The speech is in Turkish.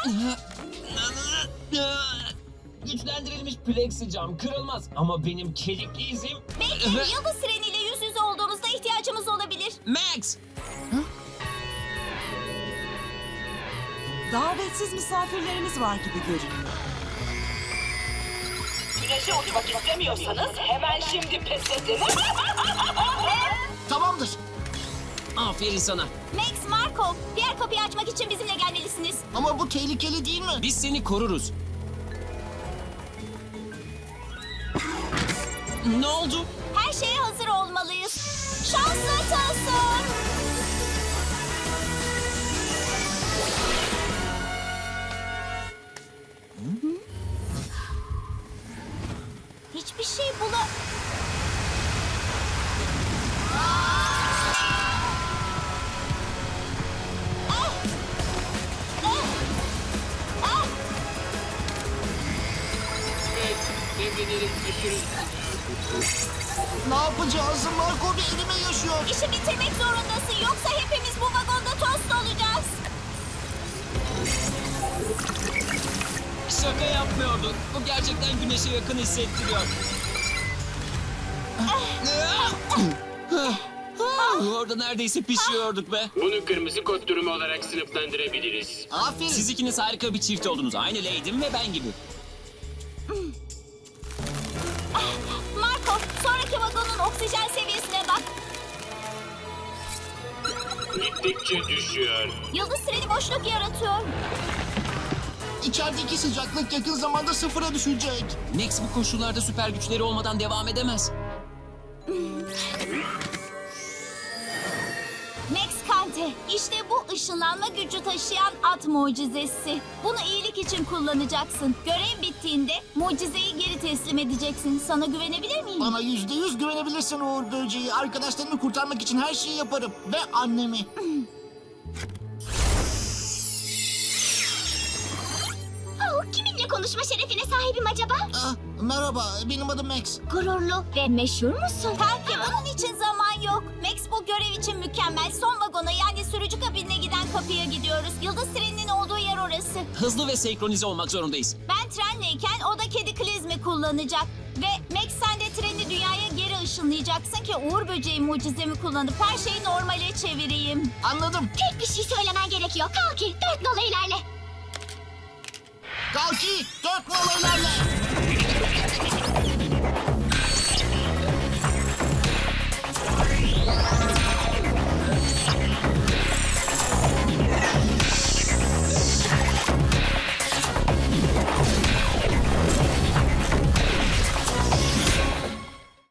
Güçlendirilmiş plexi cam kırılmaz ama benim kedikli izim... Belki yıldız treniyle yüz yüze olduğumuzda ihtiyacımız olabilir. Max! Davetsiz misafirlerimiz var gibi görünüyor. Güneşe uçmak istemiyorsanız hemen şimdi pes edin. Tamamdır. Aferin sana. Max, Marco, diğer kapıyı açmak için bizimle gelmelisiniz. Ama bu tehlikeli değil mi? Biz seni koruruz. Ne oldu? Her şeye hazır olmalıyız. Şanslı Tılsım. Hiçbir şey Ne yapacağız? Marco bir elime yaşıyor. İşi bitirmek zorundasın. Yoksa hepimiz bu vagonda tost olacağız. Şaka yapmıyorduk. Bu gerçekten güneşe yakın hissettiriyor. Orada neredeyse pişiyorduk be. Bunu kırmızı kod durumu olarak sınıflandırabiliriz. Aferin. Siz ikiniz harika bir çift oldunuz. Aynı Lady'm ve ben gibi. Marco, sonraki vagonun oksijen seviyesine bak. Gittikçe düşüyor. Yıldız treni boşluk yaratıyor. İçerideki sıcaklık yakın zamanda sıfıra düşecek. Max bu koşullarda süper güçleri olmadan devam edemez. Max Kante, işte bu ışınlanma gücü taşıyan at mucizesi. Bunu iyilik için kullanacaksın. Görev bittiğinde mucizeyi geri teslim edeceksin. Sana güvenebilir miyim? Bana %100 güvenebilirsin Uğur Böceği. Arkadaşlarımı kurtarmak için her şeyi yaparım. Ve annemi. Kiminle konuşma şerefine sahibim acaba? Merhaba, benim adım Max. Gururlu ve meşhur musun? Kanki, bunun için zaman yok. Max, bu görev için mükemmel. Son vagona, yani sürücü kabinine giden kapıya gidiyoruz. Yıldız treninin olduğu yer orası. Hızlı ve senkronize olmak zorundayız. Ben trenleyken o da kedi klizmi kullanacak. Ve Max, sen de treni dünyaya geri ışınlayacaksın ki Uğur Böceği mucizemi kullanıp her şeyi normale çevireyim. Anladım. Tek bir şey söylemen gerekiyor. Kalki, 4 nolu ilerle. Kalki, 4 nolu ilerle.